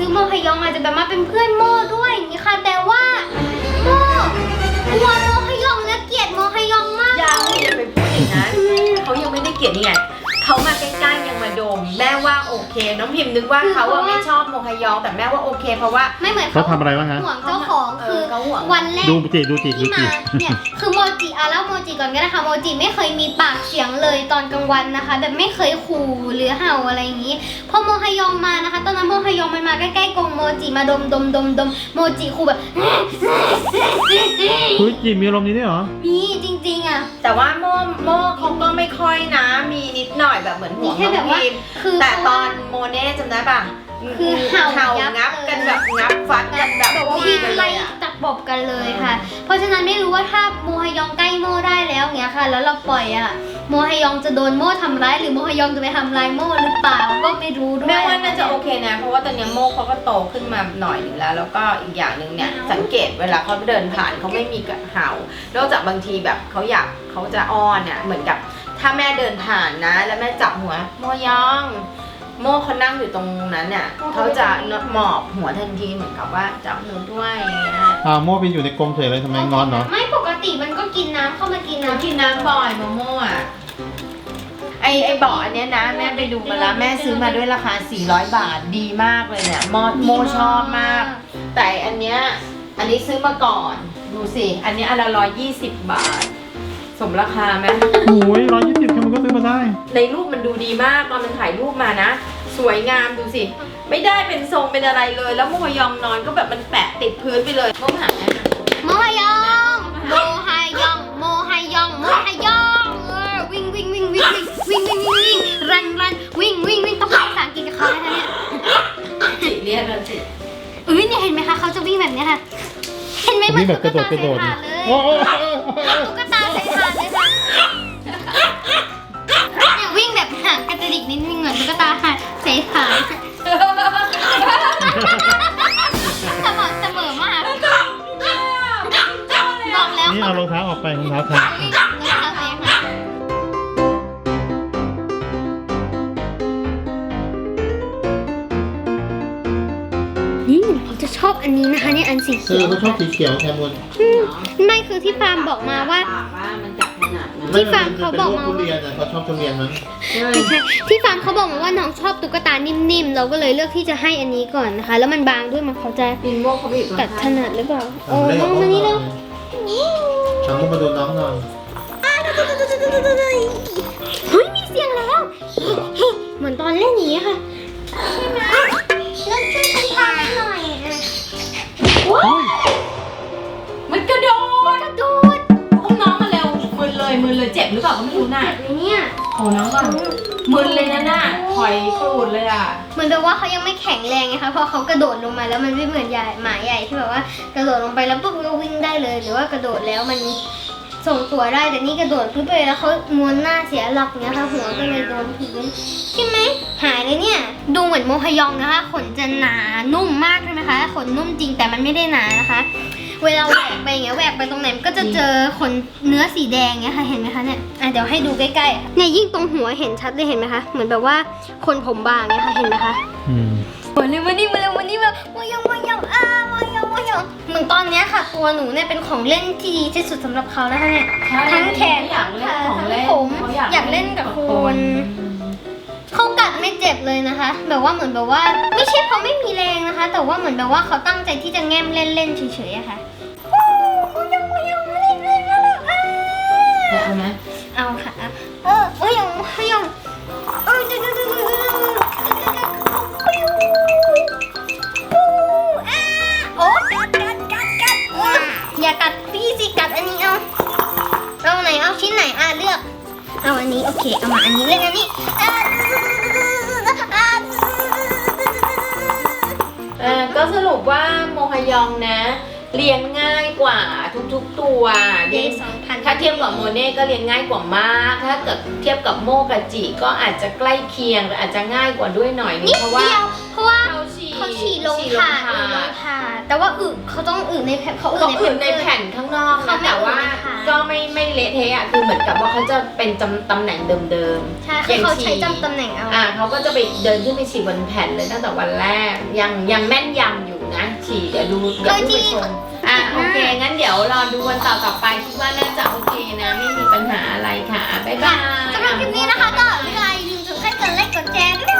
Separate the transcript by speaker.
Speaker 1: คือโมฮยองอาจจะแบบมาเป็นเพื่อนโมด้วยอย่างนี้ค่ะแต่ว่าโมกลัวโมฮยองและเกลียดโมฮยองมาก
Speaker 2: ยังอย่าไปพูดอย่างนั้นเขายังไม่ได้เกลียดนี่ไงเขามาใกล้ๆยังมาดมแม่ว่าโอเคน้องพิมพ์นึกว่าเขาไม่ชอบโมฮยองแต่แม่ว่าโอเคเพราะว่า
Speaker 1: ไม่เหมือน
Speaker 3: เขาทำอะไรบ้างฮะ
Speaker 1: ห่วงเจ้าของคือ
Speaker 2: เขาห่วง
Speaker 1: วันแรก
Speaker 3: ดูจิ
Speaker 1: ที่มาเนี่ยคือโมจิเล่าโมจิก่อนก็ได้ค่ะโมจิไม่เคยมีปากเสียงเลยตอนกลางวันนะคะแบบไม่เคยขู่หรือเห่าอะไรอย่างนี้พอโมฮยองมานะคะตอนนั้นโมฮยองมันมาใกล้ๆกรงโมจิมาดมโมจิขู่แบบ
Speaker 3: คุยจิมีอารมณ์นี้ด้วยเหรอ
Speaker 1: มีจริงๆอ่ะ
Speaker 2: แต่ว่าโม่เขาก็ไม่ค่อยนะมีนิดหน่อยแบบเหมือนห่วง
Speaker 1: แค่
Speaker 2: น้
Speaker 1: แบ
Speaker 2: อบ ง
Speaker 1: ว่า
Speaker 2: พิมพ์
Speaker 1: คือ
Speaker 2: แต่ตอนโมเน่จำได้ป่ะ
Speaker 1: คือเห่ายับ
Speaker 2: งับกันแบบงับฟัดกันแบบ
Speaker 1: ว่า
Speaker 2: วิ่
Speaker 1: วิ่
Speaker 2: ง
Speaker 1: ง
Speaker 2: กันเล
Speaker 1: ไล่
Speaker 2: ยอ่ะ
Speaker 1: จับบกันเลยค่ะ เพราะฉะนั้นไม่รู้ว่าถ้าโมฮยองใกล้โมได้แล้วเงี้ยค่ะ แล้วเราปล่อยอ่ะโมฮยองจะโดนโมทำร้ายหรือโมฮยองจะไปทำร้ายโมหรือเปล่าก็ไม่รู้ด้วย
Speaker 2: แม่ว่าน่าจะโอเคนะเพราะว่าตอนนี้โม่เขาก็โตขึ้นมาหน่อยหนึงแล้วแล้วก็อีกอย่างหนึ่งเนี่ยสังเกตเวลาเขาเดินผ่านเขาไม่มีกระเห่านอกจากบางทีแบบเขาจะอ้อนเนี่ยเหมือนกับถ้าแม่เดินผ่านนะ แล้วแม่จับหัวโมยองโม่เขานั่งอยู่ตรงนั้นเนี่ยเขาจะหมอบหัวทันทีเหมือนกับว่าจับหนูด้วยอย่างเงี้ย
Speaker 3: โม่ไปอยู่ในกรงเฉยเลยทำไมงอนเหรอ
Speaker 1: ไม่ปกติมันก็กินน้ำเข้ามากิน
Speaker 2: หนู
Speaker 1: น้ำ
Speaker 2: กินน้ำบ่อยโม่อะไอบ่ออันเนี้ยนะแม่ไปดูมาแล้วแม่ซื้อมาด้วยราคา400 บาทดีมากเลยเนี่ยโมชอบมาก แต่อันนี้ซื้อมาก่อนดูสิอันนี้อันละ120 บาท สมราคาไหม
Speaker 3: โอ้ย120แค่มันก็ซื้อมาได้
Speaker 2: ในรูปมันดูดีมากตอนมันถ่ายรูปมานะ สวยงามดูสิ ไม่ได้เป็นทรงเป็นอะไรเลย แล้วโมฮยองนอนก็แบบมันแปะติดพื้นไปเลยโมหาแม่นะ
Speaker 1: โมฮยองโมฮยองโมฮยองโมฮยองวิ่งรันวิ่งต้องพูดภาษาอังกฤษกับเขานะคะเนี่ย
Speaker 2: สิเรียนแล้วสิ
Speaker 1: เนี่ยเห็นไหมคะเขาจะวิ่งแบบเนี้ยค่ะ เห็นไหมมัน
Speaker 3: วิ่งแบบกระโดดเลย โอ้โห
Speaker 1: ตุ๊กตาใส่ถ่านเลยค่ะเนี่ยวิ่งแบบห่างกระดิกนิดนึงเหมือนตุ๊กตาห่างใส่ถ่านสม่ำเสมอมากบอกแล้ว
Speaker 3: นี่
Speaker 1: เขา
Speaker 3: เอารองเท้าออกไปรองเท้าแทน
Speaker 1: วิ่งรองเท้าใส่ค่ะนี่เขาจะชอบอันนี้นะคะเนี่ยอันสีเขียว
Speaker 3: เขาชอบสีเขียวแคมุน
Speaker 1: ไม่คือที่ฟาร์มบอกมาว่า
Speaker 2: ว่ามันจับขนาดนั้น
Speaker 1: ที่ฟาร์มเขาบอกมา
Speaker 3: ทุเรียนเขาชอบทุเรียนมั้ง
Speaker 1: ไม่ใช่ที่ฟาร์มเขาบอกมาว่าน้องชอบตุ๊กตานิ่มๆ เราก็เลยเลือกที่จะให้อันนี้ก่อนนะคะ แล้วมันบางด้วยมันเขาจะ
Speaker 2: ปินโมเขาไปอยู่ตรง
Speaker 1: กัดถ
Speaker 2: ข้าง
Speaker 1: นัดหรือเปล่าโอ้น้องมานี่เร็ว
Speaker 3: ทำมุกมาดูน้องหน่อย
Speaker 1: เฮ้ยมีเสียงแล้วเฮ้ยเหมือนตอนเล่นอย่างนี้ค่ะใช่ไหมแล้วช่วยฉันพาไปหน่อย
Speaker 2: มันกระโดด
Speaker 1: กระโดด
Speaker 2: อุ้มน้องมาเร็วมึนเลยเจ็บหรือเปล่าก็ไม่รู้น่ะ
Speaker 1: แบบนี้เนี่ย
Speaker 2: โอ้น้องก่อนมึนเลยนะน่ะถอยกรูดเลยอ่ะ
Speaker 1: เหมือนแบบว่าเขายังไม่แข็งแรงไงคะพอเขากระโดดลงมาแล้วมันไม่เหมือนหมาใหญ่ที่แบบว่ากระโดดลงไปแล้วปุ๊บก็วิ่งได้เลย หรือว่ากระโดดแล้วมันส่งตัวได้แต่นี่กระโดดปุ๊บไปแล้วเขาม้วนหน้าเสียหลักเนี้ยค่ะหัวก็เลยโดนพื้นใช่ไหมหายเลยเนี่ยดูเหมือนโมฮยองนะคะขนจะหนานุ่มมากใช่ไหมคะขนนุ่มจริงแต่มันไม่ได้หนานะคะเวลาแหวกไปอย่างเงี้ยแหวกไปตรงไหนมันก็จะเจอขนเนื้อสีแดงเงี้ยค่ะเห็นไหมคะเนี่ยเดี๋ยวให้ดูใกล้ๆเนี่ยยิ่งตรงหัวเห็นชัดเลยเห็นไหมคะเหมือนแบบว่าคนผมบางเงี้ยค่ะเห็นไหมคะ มาเลยวันนี้มายังเหมือนตอนเนี้ยค่ะตัวหนูเนี่ยเป็นของเล่นที่ดีที่สุดสำหรับเขาแล้วค่ะเนี่ยทั้งแขน
Speaker 2: อยากเล่นของเล่น
Speaker 1: ผมอยากเล่นกับคุณเขากัดไม่เจ็บเลยนะคะ แบบว่าเหมือนแบบว่าไม่ใช่เพราะไม่มีแรงนะคะ แต่ว่าเหมือนแบบว่าเขาตั้งใจที่จะแง้มเล่นๆเฉยๆอะค่ะยัง
Speaker 2: เอาไหม
Speaker 1: เอาค่ะยังโอ้กัดอย่ากัดพี่สิกัดอันนี้เอาไหนเอาชิ้นไหนเลือกเอาอันนี้โอเคเอามาอันนี้เล่นอันนี้
Speaker 2: ก็สรุปว่าโมฮยองนะ เลี้ยงง่ายกว่าทุกๆตัวถ้าเทียบกับโมเน่ก็เลี้ยงง่ายกว่ามากถ้าเกิดเทียบกับโมกับจิก็อาจจะใกล้เคียงหรืออาจจะง่ายกว่าด้วยหน่อยนึงเพราะว่าเขาฉี
Speaker 1: เขาฉี่ลงถาดแต่ว่าเขาต้องในแผ่นเขา
Speaker 2: เขาอื่นในแผ่นข้างนอกนะแต่ว่าก็ไม่เละเทะอะคือเหมือนกับว่าเขาจะเป็นตำแหน่งเดิมๆ
Speaker 1: ใช่คือเขาใช้จำตำแหน่งเอา
Speaker 2: เขาก็จะไปเดินขึ้นไปฉี่บนแผ่นเลยตั้งแต่วันแรกยังแม่นยำอยู่นะฉี่เดี๋ยวดูไปชมโอเคงั้นเดี๋ยวรอดูวันต่อไปคิดว่าน่าจะโอเคนะไม่มีปัญหาอะไรค่ะบ๊ายบาย
Speaker 1: สำหรับคลิปนี้นะคะก็อย่าลืมกดไลค์กดแชร์ด้วย